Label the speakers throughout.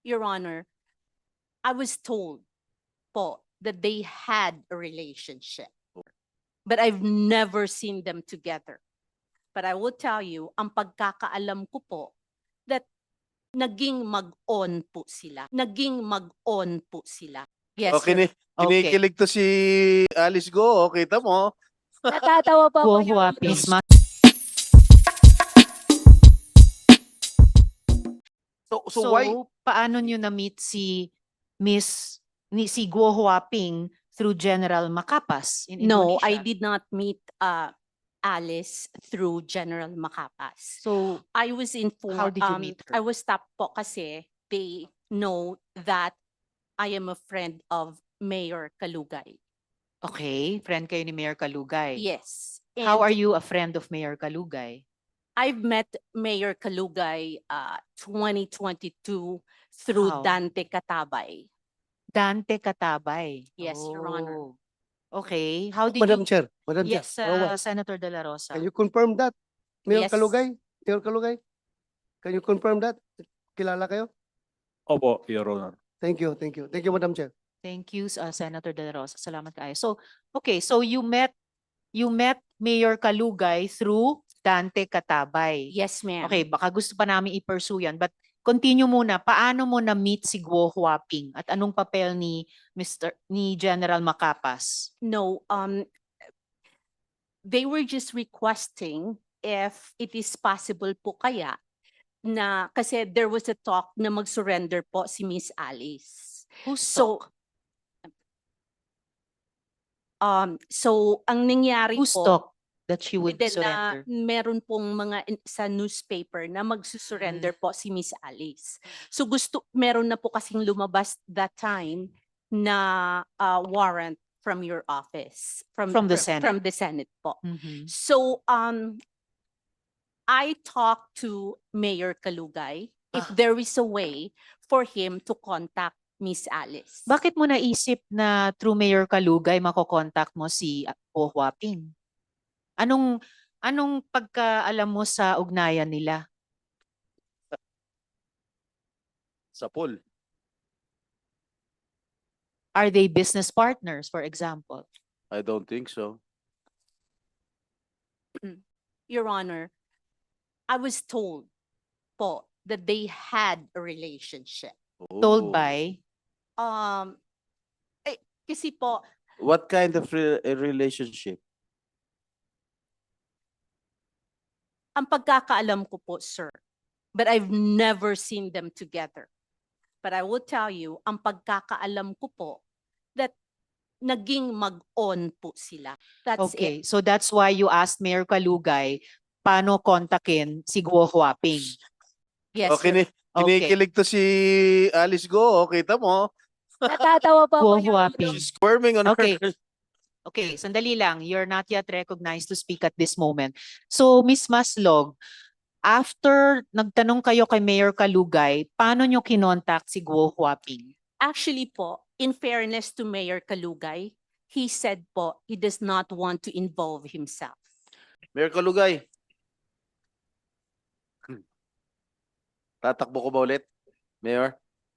Speaker 1: Your Honor, I was told po that they had a relationship. But I've never seen them together. But I will tell you, ang pagkakaalam ko po, that naging mag-on po sila. Naging mag-on po sila. Yes,
Speaker 2: Okay,
Speaker 1: Your
Speaker 3: Okay.
Speaker 2: kinikilig to si Alice Go. Kita mo.
Speaker 1: Natatawa pa
Speaker 3: Go
Speaker 1: ako, Your
Speaker 3: Hua
Speaker 1: Honor.
Speaker 3: Ping.
Speaker 2: So why?
Speaker 3: Paano nyo na-meet si si Guo Huaping through General Macapas in
Speaker 1: No,
Speaker 3: Indonesia?
Speaker 1: I did not meet Alice through General Macapas.
Speaker 3: So,
Speaker 1: I was informed.
Speaker 3: How did you meet her?
Speaker 1: I was stopped po kasi they know that I am a friend of Mayor Kalugay.
Speaker 3: okay, friend kayo ni Mayor Kalugay.
Speaker 1: Yes.
Speaker 3: How
Speaker 1: And
Speaker 3: are you a friend of Mayor Kalugay?
Speaker 1: I've met Mayor Kalugay 2022 through
Speaker 3: How?
Speaker 1: Dante Katabay.
Speaker 3: Dante Katabay.
Speaker 1: Yes, Your Honor.
Speaker 3: Oh, okay. How did
Speaker 4: Madam
Speaker 3: you?
Speaker 4: Chair, Madam
Speaker 3: Yes,
Speaker 4: Chair. Rawat,
Speaker 3: Senator De La Rosa.
Speaker 4: can you confirm that? Mayor
Speaker 1: Yes.
Speaker 4: Kalugay? Mayor Kalugay? Can you confirm that? Kilala kayo?
Speaker 5: Opo, Your Honor.
Speaker 4: Thank you, thank you. Thank you, Madam Chair.
Speaker 3: Thank you, Senator De La Rosa. Salamat kayo. So, okay, so you met Mayor Kalugay through Dante Katabay.
Speaker 1: Yes, ma'am.
Speaker 3: Okay, baka gusto pa namin i-pursue yan, but continue muna. Paano mo na-meet si Guo Huaping at anong papel ni General Macapas?
Speaker 1: No, they were just requesting if it is possible po kaya na kasi there was a talk na mag-surrender po si Miss Alice.
Speaker 3: Who's
Speaker 1: So, so ang nangyari
Speaker 3: Who's
Speaker 1: po,
Speaker 3: talk that she would
Speaker 1: then
Speaker 3: surrender?
Speaker 1: meron pong mga sa newspaper na magsusurrender po si Miss Alice. So meron na po kasing lumabas that time na warrant from your office.
Speaker 3: From the Senate.
Speaker 1: From the Senate po.
Speaker 3: Mhm.
Speaker 1: So I talked to Mayor Kalugay if there is a way for him to contact Miss Alice.
Speaker 3: Bakit mo naisip na through Mayor Kalugay makokontak mo si Guo Huaping? Anong pagkaalam mo sa ugnayan nila?
Speaker 2: Sa pool.
Speaker 3: Are they business partners, for example?
Speaker 2: I don't think so.
Speaker 1: Your Honor, I was told po that they had a relationship.
Speaker 3: Told
Speaker 2: Oh.
Speaker 3: by?
Speaker 1: Kasi po,
Speaker 2: What kind of a relationship?
Speaker 1: ang pagkakaalam ko po, sir, but I've never seen them together. But I will tell you, ang pagkakaalam ko po, that naging mag-on po sila. That's it.
Speaker 3: Okay, so that's why you asked Mayor Kalugay paano kontakin si Guo Huaping.
Speaker 1: Yes,
Speaker 2: Okay,
Speaker 1: sir.
Speaker 2: kinikilig to si Alice Go. Kita mo.
Speaker 1: Natatawa pa
Speaker 3: Guo
Speaker 1: ako, Your Honor.
Speaker 3: Huaping.
Speaker 2: She's squirming on
Speaker 3: Okay.
Speaker 2: her.
Speaker 3: Okay, sandali lang. You're not yet recognized to speak at this moment. So, Ms. Maslog, after nagtanong kayo kay Mayor Kalugay, paano nyo kinontak si Guo Huaping?
Speaker 1: Actually po, in fairness to Mayor Kalugay, he said po, he does not want to involve himself.
Speaker 2: Mayor Kalugay. Tatakbo ko ba ulit? Mayor?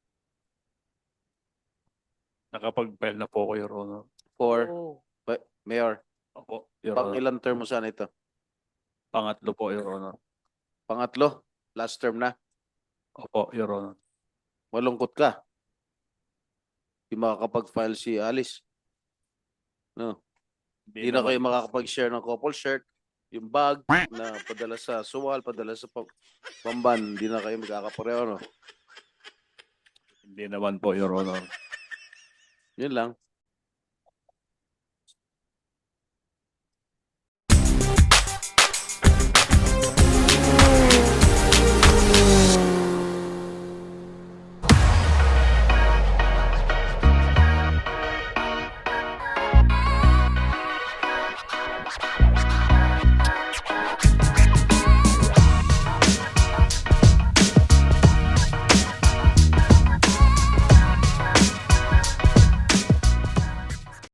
Speaker 5: Nakapag-file na po ako, Your Honor.
Speaker 2: For
Speaker 3: Oh.
Speaker 2: Mayor,
Speaker 5: Opo, Your
Speaker 2: pang
Speaker 5: Honor.
Speaker 2: ilang term mo sana ito?
Speaker 5: Pangatlo po, Your Honor.
Speaker 2: Pangatlo? Last term na?
Speaker 5: Opo, Your Honor.
Speaker 2: Malungkot ka. Hindi makakapag-file si Alice. No. Hindi na kayo makakapag-share ng couple shirt. Yung bag na padala sa suwal, padala sa pamban, hindi na kayo magkakapareho, no?
Speaker 5: Hindi naman po, Your Honor.
Speaker 2: Yun lang.